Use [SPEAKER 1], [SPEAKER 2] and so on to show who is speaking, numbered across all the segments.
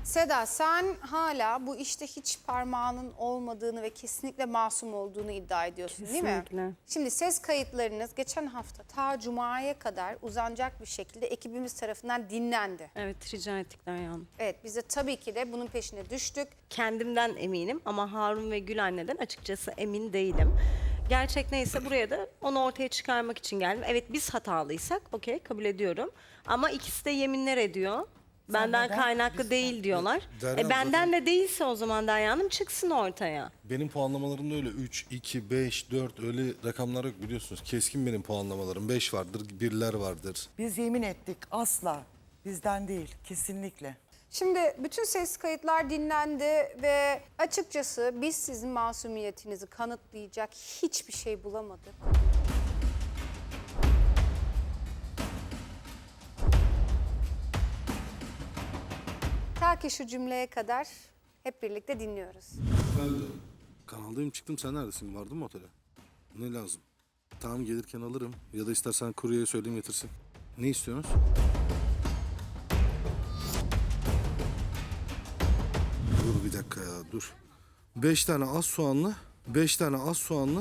[SPEAKER 1] Seda, sen hala bu işte hiç parmağının olmadığını ve kesinlikle masum olduğunu iddia ediyorsun, değil mi?
[SPEAKER 2] Kesinlikle.
[SPEAKER 1] Şimdi ses kayıtlarınız geçen hafta ta Cuma'ya kadar uzanacak bir şekilde ekibimiz tarafından dinlendi.
[SPEAKER 2] Evet, rica ettik Derya Hanım.
[SPEAKER 1] Evet, biz de tabii ki de bunun peşine düştük.
[SPEAKER 2] Kendimden eminim ama Harun ve Gül anneden açıkçası emin değilim. Gerçek neyse buraya da onu ortaya çıkarmak için geldim. Evet biz hatalıysak okey kabul ediyorum. Ama ikisi de yeminler ediyor. Benden
[SPEAKER 3] neden?
[SPEAKER 2] kaynaklı değil diyorlar.
[SPEAKER 4] Derya
[SPEAKER 2] Benden de değilse o zaman Derya Hanım çıksın ortaya.
[SPEAKER 4] Benim puanlamalarımda öyle 3, 2, 5, 4 öyle rakamlar yok biliyorsunuz. Keskin benim puanlamalarım. 5 vardır, birler vardır.
[SPEAKER 3] Biz yemin ettik asla. Bizden değil kesinlikle.
[SPEAKER 1] Şimdi bütün ses kayıtlar dinlendi ve açıkçası biz sizin masumiyetinizi kanıtlayacak hiçbir şey bulamadık. Ta ki şu cümleye kadar hep birlikte dinliyoruz.
[SPEAKER 4] Ben de kanaldayım çıktım. Sen neredesin? Vardın mı otele? Ne lazım? Tamam gelirken alırım. Ya da istersen kuryeye söyleyeyim getirsin. Ne istiyorsunuz? Dur bir dakika ya dur. 5 tane az soğanlı. 5 tane az soğanlı.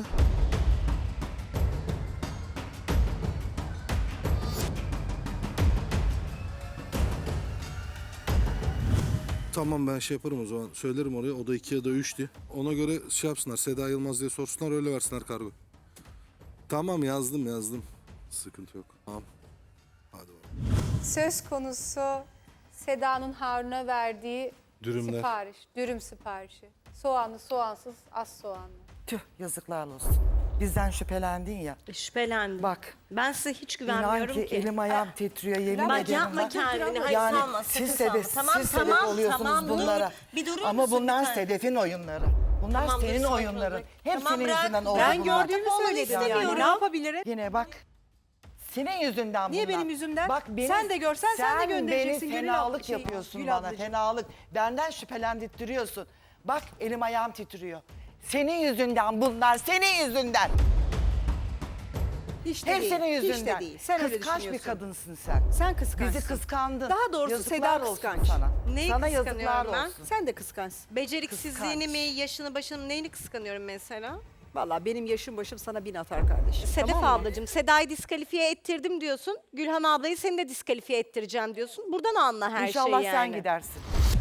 [SPEAKER 4] Tamam ben şey yaparım o zaman. Söylerim oraya. O da 2 ya da 3'tü. Ona göre şey yapsınlar. Seda Yılmaz diye sorsunlar. Öyle versinler kargo. Tamam yazdım. Sıkıntı yok. Tamam. Hadi bakalım.
[SPEAKER 1] Söz konusu Seda'nın Harun'a verdiği
[SPEAKER 4] Dürümler.
[SPEAKER 1] sipariş, dürüm siparişi. Soğanlı, soğansız, az soğanlı.
[SPEAKER 3] Tüh yazıklar olsun. Bizden şüphelendin ya.
[SPEAKER 2] Şüphelendim.
[SPEAKER 3] Bak.
[SPEAKER 2] Ben size hiç
[SPEAKER 3] İnan
[SPEAKER 2] güvenmiyorum
[SPEAKER 3] ki
[SPEAKER 2] ki.
[SPEAKER 3] elim ayağım titriyor yemin
[SPEAKER 2] Bak
[SPEAKER 3] ederim.
[SPEAKER 2] yapma
[SPEAKER 3] bak.
[SPEAKER 2] kendini. Hayır
[SPEAKER 3] Yani
[SPEAKER 2] sanma.
[SPEAKER 3] siz
[SPEAKER 2] sakın
[SPEAKER 3] sebep,
[SPEAKER 2] sanma.
[SPEAKER 3] siz sebep oluyorsunuz
[SPEAKER 2] tamam,
[SPEAKER 3] bunlara.
[SPEAKER 2] Bir durur
[SPEAKER 3] Ama
[SPEAKER 2] musun
[SPEAKER 3] bunlar
[SPEAKER 2] bir tane?
[SPEAKER 3] Sedef'in oyunları. Bunlar
[SPEAKER 2] Tamam, dur,
[SPEAKER 3] senin
[SPEAKER 2] sakin ol.
[SPEAKER 3] oyunların. Hep
[SPEAKER 2] Tamam,
[SPEAKER 3] senin
[SPEAKER 2] bırak.
[SPEAKER 3] yüzünden oldu
[SPEAKER 5] Ben
[SPEAKER 3] bunlar.
[SPEAKER 5] gördüğümü
[SPEAKER 2] Olmanı
[SPEAKER 5] söyledim yani.
[SPEAKER 2] istemiyorum.
[SPEAKER 5] Ne yapabilirim?
[SPEAKER 3] Yine bak. Senin yüzünden
[SPEAKER 5] Niye
[SPEAKER 3] bunlar.
[SPEAKER 5] benim yüzümden?
[SPEAKER 3] Bak
[SPEAKER 5] Sen de görsen sen de göndereceksin.
[SPEAKER 3] Sen
[SPEAKER 5] Gönül
[SPEAKER 3] beni fenalık
[SPEAKER 5] abla-
[SPEAKER 3] yapıyorsun
[SPEAKER 5] Gül
[SPEAKER 3] bana.
[SPEAKER 5] ablacığım.
[SPEAKER 3] Fenalık. Benden şüphelendirtiyorsun. Bak elim ayağım titriyor. Senin yüzünden bunlar. Senin yüzünden.
[SPEAKER 5] Hiç de
[SPEAKER 3] Hep
[SPEAKER 5] değil.
[SPEAKER 3] senin yüzünden.
[SPEAKER 5] Hiç de değil. Sen öyle
[SPEAKER 3] Kıskanç bir
[SPEAKER 5] düşünüyorsun.
[SPEAKER 3] kadınsın sen.
[SPEAKER 5] Sen kıskançsın.
[SPEAKER 3] Bizi kıskandın.
[SPEAKER 5] Daha doğrusu
[SPEAKER 3] Yazıklar
[SPEAKER 5] Seda
[SPEAKER 3] olsun
[SPEAKER 5] kıskanç.
[SPEAKER 3] Sana.
[SPEAKER 2] Neyi
[SPEAKER 3] Sana
[SPEAKER 2] kıskanıyorum
[SPEAKER 3] yazıklar
[SPEAKER 2] ben?
[SPEAKER 3] olsun.
[SPEAKER 5] Sen de kıskançsın.
[SPEAKER 2] Beceriksizliğini
[SPEAKER 3] Kıskanç.
[SPEAKER 2] mi, yaşını başını mı, neyini kıskanıyorum mesela?
[SPEAKER 5] Vallahi benim yaşım başım sana 1000 atar kardeşim.
[SPEAKER 2] Sedef
[SPEAKER 5] Tamam mı?
[SPEAKER 2] ablacığım, Seda'yı diskalifiye ettirdim diyorsun. Gülhan ablayı seni de diskalifiye ettireceğim diyorsun. Buradan anla her
[SPEAKER 3] İnşallah
[SPEAKER 2] şeyi
[SPEAKER 3] sen
[SPEAKER 2] yani.
[SPEAKER 3] gidersin.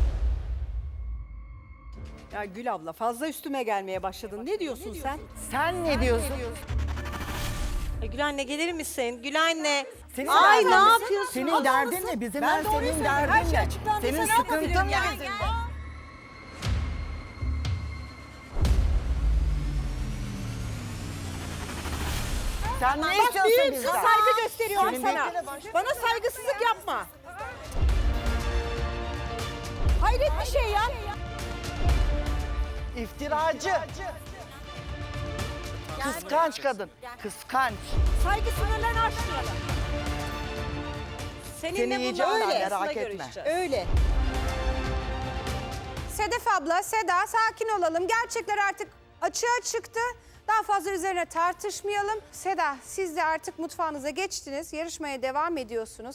[SPEAKER 5] Ya Gül abla fazla üstüme gelmeye başladın. Ne diyorsun sen?
[SPEAKER 3] Sen ne diyorsun?
[SPEAKER 2] Gül anne gelir misin? Gül anne.
[SPEAKER 3] Senin
[SPEAKER 2] Ay
[SPEAKER 3] derdin
[SPEAKER 2] ne
[SPEAKER 3] ne?
[SPEAKER 2] yapıyorsun?
[SPEAKER 3] Senin derdin ne? Bizim
[SPEAKER 5] Ben doğruyu
[SPEAKER 3] senin
[SPEAKER 5] söylüyorum. Her
[SPEAKER 3] derdin
[SPEAKER 5] şey
[SPEAKER 3] ne?
[SPEAKER 5] açıklandıysa
[SPEAKER 3] Senin
[SPEAKER 5] ne yapabilirim
[SPEAKER 3] sıkıntın
[SPEAKER 5] ya?
[SPEAKER 3] ne? Sen ne istiyorsun
[SPEAKER 5] Büyüksün,
[SPEAKER 3] bizden?
[SPEAKER 5] saygı gösteriyorum
[SPEAKER 3] Senin
[SPEAKER 5] sana.
[SPEAKER 3] beklene başka-
[SPEAKER 5] Bana saygısızlık yapma. Hayret bir şey ya.
[SPEAKER 3] İftiracı. Kıskanç kadın. Kıskanç.
[SPEAKER 5] Saygı sınırlarını aşmayalım.
[SPEAKER 2] Seninle
[SPEAKER 3] Seni
[SPEAKER 2] bunun
[SPEAKER 3] yiyeceğim ben,
[SPEAKER 2] öyle.
[SPEAKER 3] merak etme.
[SPEAKER 2] Görüşeceğiz.
[SPEAKER 5] Öyle.
[SPEAKER 1] Sedef abla, Seda sakin olalım. Gerçekler artık açığa çıktı. Daha fazla üzerine tartışmayalım. Seda, siz de artık mutfağınıza geçtiniz. Yarışmaya devam ediyorsunuz.